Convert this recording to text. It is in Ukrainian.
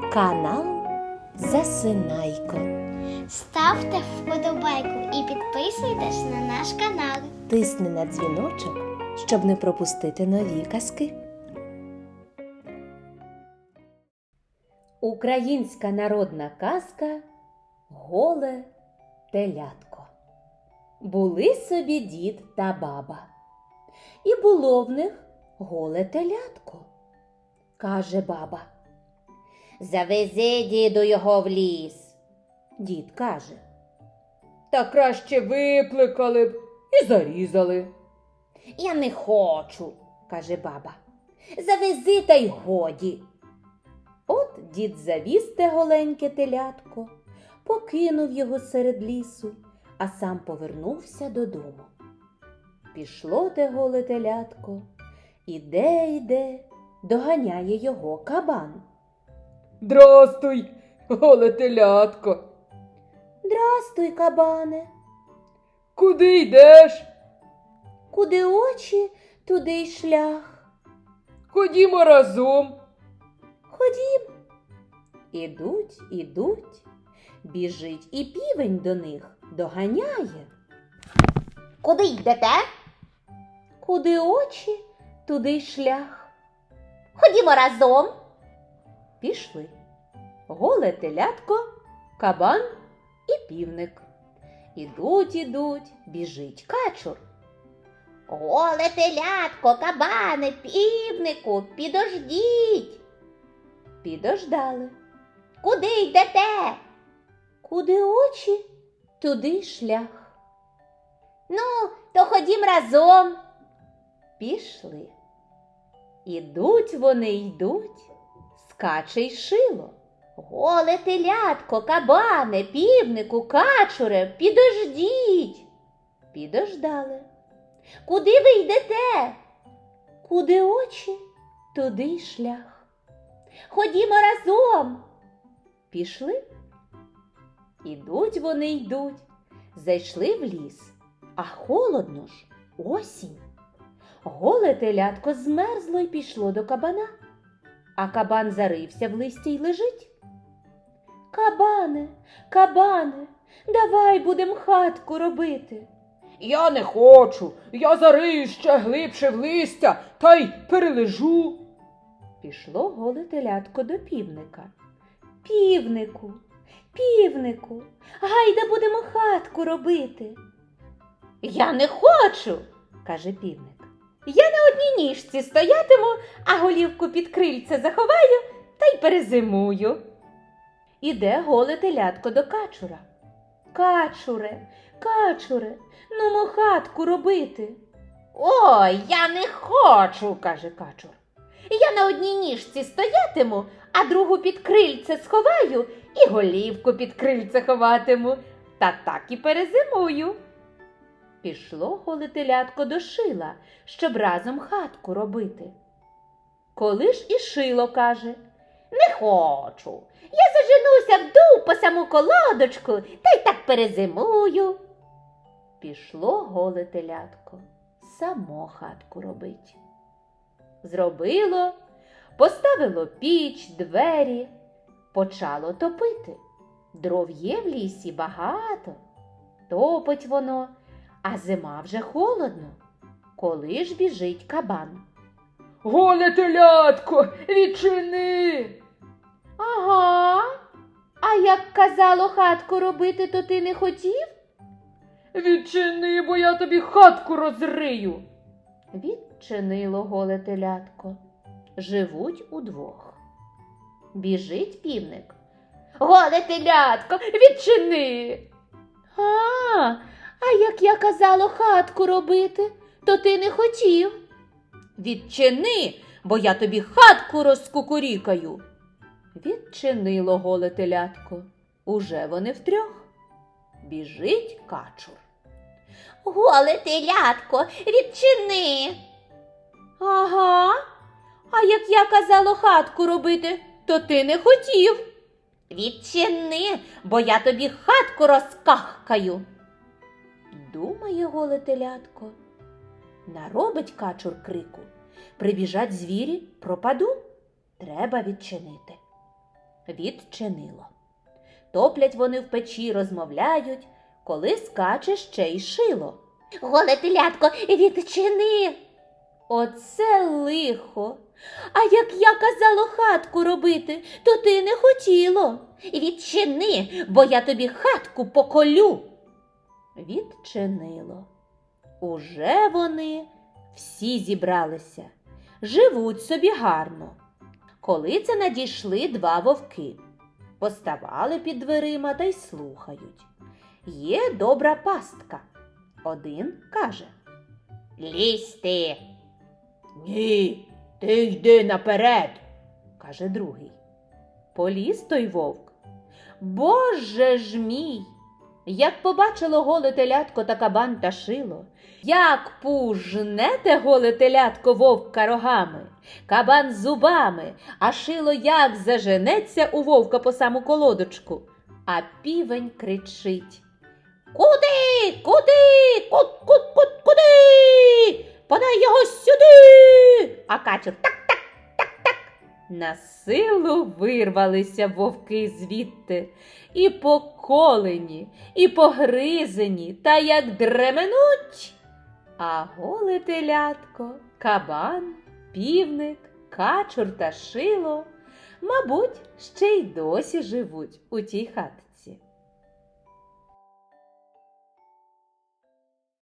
Канал Засинайко. Ставте вподобайку і підписуйтесь на наш канал. Тисни на дзвіночок, щоб не пропустити нові казки. Українська народна казка «Голе телятко». Були собі дід та баба. І було в них голе телятко. Каже баба: «Завези, діду, його в ліс». Дід каже: «Та краще випликали б і зарізали». «Я не хочу», каже баба. «Завези та й годі». От дід завіз те голеньке телятко, покинув його серед лісу, а сам повернувся додому. Пішло те голе телятко, іде, доганяє його кабан. «Здрастуй, голе телятко!» «Здрастуй, кабане!» «Куди йдеш?» «Куди очі, туди й шлях». «Ходімо разом!» «Ходім». Ідуть, біжить і півень до них, доганяє. Куди йдете? «Куди очі, туди й шлях». Ходімо разом. Пішли. Голе телятко, кабан і півник. Ідуть, біжить качур. Голе телятко, кабане, півнику, підождіть. Підождали. Куди йдете? Куди очі, туди й шлях. Ну, то ходім разом. Пішли. Ідуть вони, скаче й шило. Голе телятко, кабане, півнику, качуре, підождіть. Підождали. Куди ви йдете? Куди очі, туди й шлях. Ходімо разом. Пішли. Ідуть вони, зайшли в ліс, а холодно ж, осінь. Голе телятко змерзло й пішло до кабана, а кабан зарився в листі й лежить. Кабане, давай будем хатку робити». «Я не хочу, я зарию ще глибше в листя, та й перележу!» Пішло голе телятко до півника. Півнику, гайда будемо хатку робити». Я не хочу, каже півник. я на одній ніжці стоятиму, а голівку під крильце заховаю та й перезимую. Іде голе телятко до качура. Качуре, нумо хатку робити». Ой, я не хочу, каже качур. Я на одній ніжці стоятиму, а другу під крильце сховаю і голівку під крильце ховатиму, та так і перезимую. Пішло голе телятко до шила, щоб разом хатку робити. Коли ж і шило каже: Не хочу, я заженуся вдув по саму колодочку, та й так перезимую. Пішло голе телятко само хатку робить. Зробило, поставило піч, двері, почало топити. Дров є в лісі багато, топить воно, а зима вже холодно. Коли ж біжить кабан. «Голе телятко, відчини!» «Ага, а як казало хатку робити, то ти не хотів?» «Відчини, бо я тобі хатку розрию!» Відчинило голе телятко. Живуть удвох. Біжить півник. Голе телятко, відчини. А як я казало хатку робити, то ти не хотів?» Відчини, бо я тобі хатку розкукурікаю. Відчинило голе телятко. Уже вони втрьох. Біжить качур. Голе телятко, відчини. «Ага, а як я казало хатку робити, то ти не хотів?» Відчини, бо я тобі хатку розкахкаю. Думає голе телятко. Наробить качур крику. Прибіжать звірі, пропаду. Треба відчинити. Відчинило. Топлять вони в печі, розмовляють, коли скаче ще й шило. Голе телятко, відчини. Оце лихо! А як я казала хатку робити, то ти не хотіло. Відчини, бо я тобі хатку поколю. Відчинило. Уже вони всі зібралися, живуть собі гарно. Коли це надійшли два вовки, поставали під дверима та й слухають. Є добра пастка. Один каже: Лізь ти. Ні, ти йди наперед. каже другий. Поліз той вовк. Боже ж мій! Як побачило голе телятко та кабан та шило, як пужне те голе телятко вовка рогами, кабан зубами, а шило як заженеться у вовка по саму колодочку, а півень кричить: Куди? Куди? Куди? Подай його сюди. А качур так. На силу вирвалися вовки звідти, і поколені, і погризені, та як дременуть. А голе телятко, кабан, півник, качур та шило, мабуть, ще й досі живуть у тій хатці.